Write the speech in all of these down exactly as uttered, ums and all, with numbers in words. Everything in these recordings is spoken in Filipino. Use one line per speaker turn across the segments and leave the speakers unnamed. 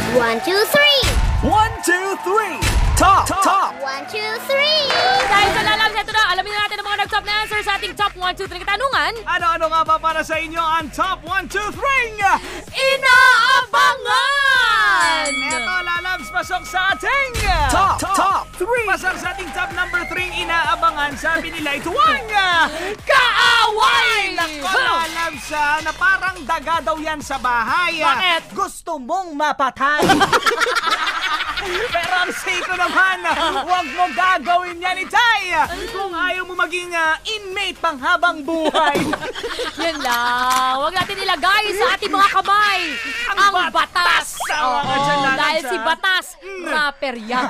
One, two, three!
One, two, three! Top! Top!
One, two, three!
Dahil sa lalabs, ito na, alamin na natin ang mga nag-top na answer sa ating top one, two, three katanungan.
Ano-ano nga ba para sa inyo ang top one, two, three?
Inaabangan!
Eto, lalabs, pasok sa ating Top! Top! three! Pasok sa ating top number three, inaabangan. Sabi nila, ito ang
Kaaway!
Nako, lalabs, ah, na parang daga daw yan sa bahay.
Bakit?
Gusto mong mapatay. Pero ang siko naman, huwag mo gagawin yan, Itay! Kung ayaw mo maging uh, inmate pang habang buhay.
Yan lang. Huwag natin ilagay sa ating mga kamay
Ang
ang,
batas!
batas.
Ang mga dyan, lalabs,
dahil si
ah.
Batas, rapper yan.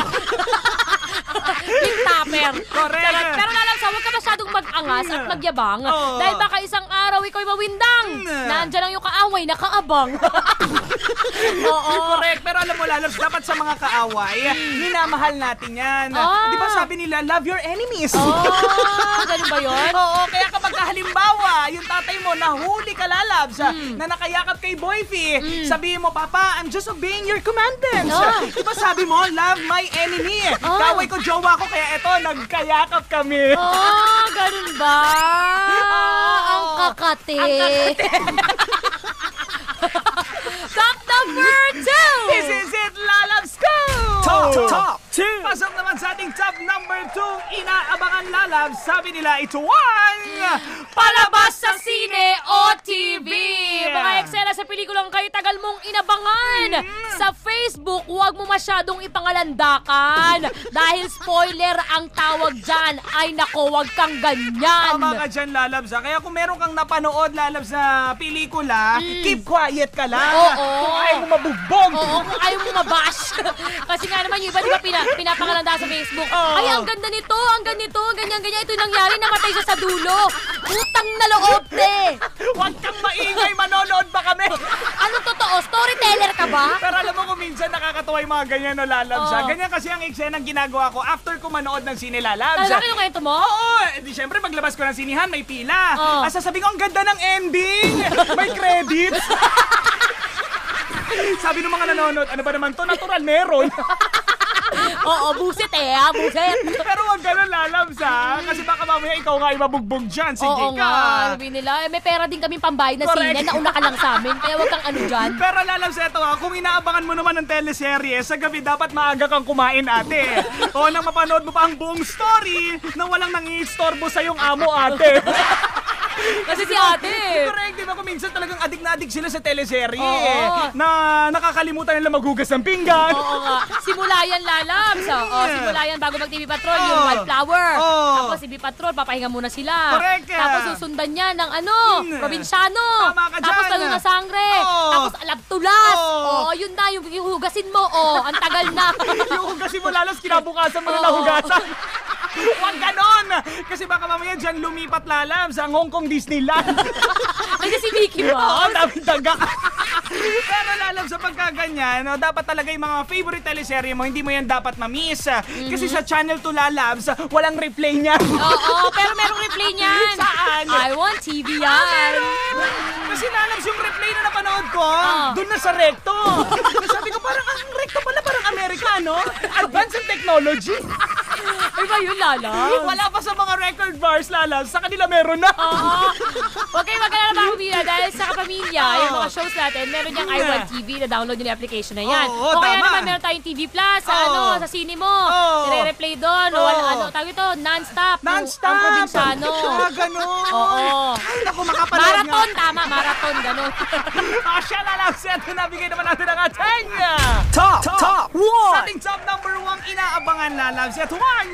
Yung tapper.
Correct.
Charot. Pero lalabs, huwag ka masyadong mag-angas at magyabang.
Oo.
Dahil baka isang araw iko'y mawindang. Nandyan ang iyong kaaway na kaabang. Oo.
Correct. Pero alam mo, lalabs, dapat sa mga kaaway, minamahal natin yan.
Ah.
Di ba sabi nila, love your enemies?
Oh, ganun ba yun?
Oo, kaya kapag halimbawa, yung tatay mo nahuli ka, lalabs, na nakayakap kay Boyfie, sabihin mo, Papa, I'm just obeying your commandments.
Ah.
Di ba sabi mo, love my enemy?
Ah.
Kaway ko, jowa ko, kaya eto, nagkayakap kami.
Oh, ganun ba?
Oo.
Ang kakate. Top number two!
This is it, lalabs ko!
Top, top two.
Pasok naman sa ating top number two, inaabangan lalabs. Sabi nila, ito ang
Palabas sa sine o T V! Mga eksena sa pelikulang kayo tagal mong inabangan. Sa Facebook, huwag mo masyadong ipangalandakan. Dahil spoiler ang tawag dyan. Ay nako, huwag kang ganyan.
Tama ka dyan, lalabs. Ha? Kaya kung meron kang napanood, lalabs, na pelikula, keep quiet ka lang.
Oo.
Kung ayaw mo mabugbog.
Oo, kung ayaw mo mabash. Kasi nga naman yung iba, di ba, pina, pinapangalanda sa Facebook.
Oo.
Ay, ang ganda nito, ang ganito, ganyan-ganyan. Ito nangyari, namatay siya sa dulo. Utang na loob, te.
Huwag kang maingay, manonood ba kami?
Ano totoo? Storyteller ka ba?
Pero alam mo kung minsan nakakatawa yung mga ganyan, no, lalabs. ha?
Oo.
Ganyan kasi ang eksenang ginagawa ko after ko manood ng sine, lalabs.
Talaga yung kwento mo?
Oo, eh, di syempre paglabas ko ng sinihan, may pila.
Oo.
Ah, sasabihin ko, ang ganda ng ending! May credits! Sabi ng mga nanonood, ano ba naman to? Natural, meron.
Oo, buset eh, ha? Buset.
Pero wag ganun, lalabs, ha? Kasi baka mamaya ikaw nga ibabugbog dyan. Sige
Oo
ka.
nga, sabi nila, eh, may pera din kami pambayad na
Correct.
sine, nauna ka lang sa amin, kaya wag kang ano dyan.
Pero lalabs, eto ha, kung inaabangan mo naman ng teleserye, sa gabi dapat maaga kang kumain, ate. O nang mapanood mo pa ang buong story na walang nangiistorbo sa yung amo, ate.
Kasi si ate.
Correct, di ba? Kung minsan talagang adik na adik sila sa teleserye.
Oo.
Na nakakalimutan nila maghugas ng pinggan.
Oo nga. Simula yan, lalabs. Oo, simula yan bago mag-T V Patrol, yung
Oo.
Wildflower.
Oo.
Tapos T V Patrol, papahinga muna sila.
Correct.
Tapos susundan niya ng ano,
Hmm.
probinsyano.
Tama ka
Tapos
dyan.
talo na sangre.
Oo.
Tapos alabtulas.
Oo.
Oo, yun na, yung hugasin mo. Oo, ang tagal na.
Yung hugasin mo lalos, kinabukasan mo na
Oo.
nahugasan. Huwag ganon! Kasi baka mamaya dyan lumipat, lalabs ang Hong Kong Disneyland.
Ay, si Mickey
Oo,
Mouse.
daming daga. Pero lalabs sa pagkaganyan, no, dapat talaga yung mga favorite teleserye mo, hindi mo yan dapat ma-miss. Kasi sa Channel two, lalabs, walang replay niya.
Oo, pero merong replay niyan.
Saan?
I want T V yan.
Kasi lalabs yung replay na napanood ko,
Ah.
dun na sa recto. Sabi ko, parang ang recto pala, parang Amerikano. Advance in technology.
Ay ba yun, Lala?
Wala pa sa mga record bars, lalabs. Sa kanila meron na.
Oo. Huwag kayo mag-alala mga pamilya dahil sa kapamilya,
Oo.
yung mga shows natin, meron niyang I Want T V na download yung application na yan.
Oo,
o kaya
tama.
naman meron tayong T V Plus sa
Oo.
ano, sa sine mo.
Oo.
Nire-replay doon. O
Oo.
wala, ano, tawag ito, non-stop. Yung-
Non-stop.
Ang probinsyano.
Ah, ganun.
Oo.
Ay, naku, makapanood
Marathon,
nga.
tama, marathon, ganun.
Ah, siya lalabs. Ito, nabigay naman natin ang ating
Top, top
Sa
one.
ating top number one, inaabangan, lalabs. Ito ang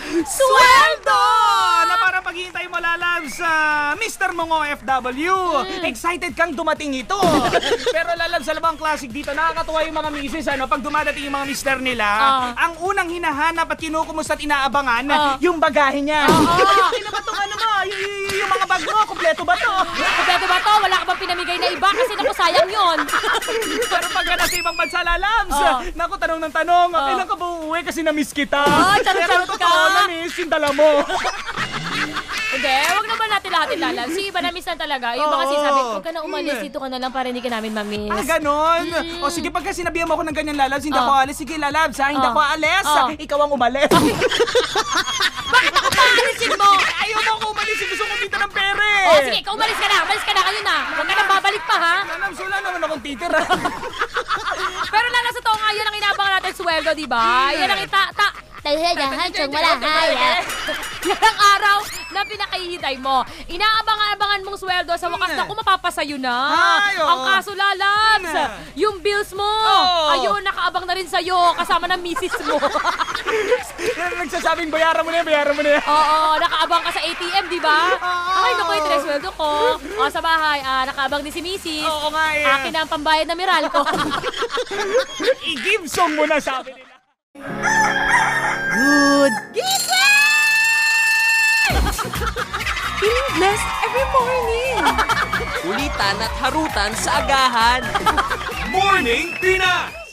Sweldo!
Na para paghihintay mo, lalabs, sa Mister Mong O F W. Excited kang dumating ito. Pero lalabs, alam mo ang classic dito, nakakatuwa yung mga misis, ano, pag dumadating yung mga mister nila,
Ah.
ang unang hinahanap at kinukumusta at inaabangan,
Ah.
yung bagahe niya.
Oo.
Ano ba itong ano mo? Y- y- yung mga bag mo, kompleto ba to?
Kompleto ba to? Wala ka bang pinamigay na iba? Kasi naku, sayang yun.
Pero pag nasa ibang bansa, lalabs,
Oh.
naku, tanong ng tanong,
Oh.
kailan ka ba uuwi kasi na-miss kita?
Oh, charot-charot
Pero totoo,
ka.
na-miss yung dala mo.
Hindi, wag naman natin lahat ilalan. Si iba na-miss na talaga. Yung mga
Oo.
sinasabi, huwag ka na umalis, dito ka na lang para hindi ka namin ma-miss.
Ah, ganon. O sige, pagka sinabihan mo ako ng ganyan, lalabs, hindi
Oh.
ako alis. Sige, lalabs, ha? Hindi
Oh.
ako alis.
Oh.
Ikaw ang umalis.
Bakit ako paalisin mo?
Ayaw mo ako umalis. Gusto ko kita ng pere.
Oh, sige, ikaw umalis ka na. Umalis ka na, kayo na. Huwag ka na babalik pa, ha?
Lalabs, wala naman akong titira.
Pero lalo sa to nga, yan ang inabangan natin sweldo, di ba? Yan ang ita... Ta
Talahan siyang malahaya.
yan ang araw na pinakahihintay mo. Inaabangan-abangan mong sweldo sa wakas na kung mapapasayo na.
Ay, oo.
Ang kaso, lalabs,
Hmm.
yung bills mo,
Oo.
ayun, nakaabang na rin sa'yo kasama ng misis mo.
Yan ang nagsasabing bayaran mo na yan, bayaran mo na yan.
Oo, nakaabang ka sa A T M, di ba?
Oo.
Ay, naku, ito na yung sweldo ko. O, sa bahay, ah, nakaabang din si misis.
Oo nga eh.
Akin na ang pambayad na miral ko.
I-give song mo na, sabi nila.
Good.
Feeling blessed every morning.
Kulitan at harutan sa agahan.
Morning Pina!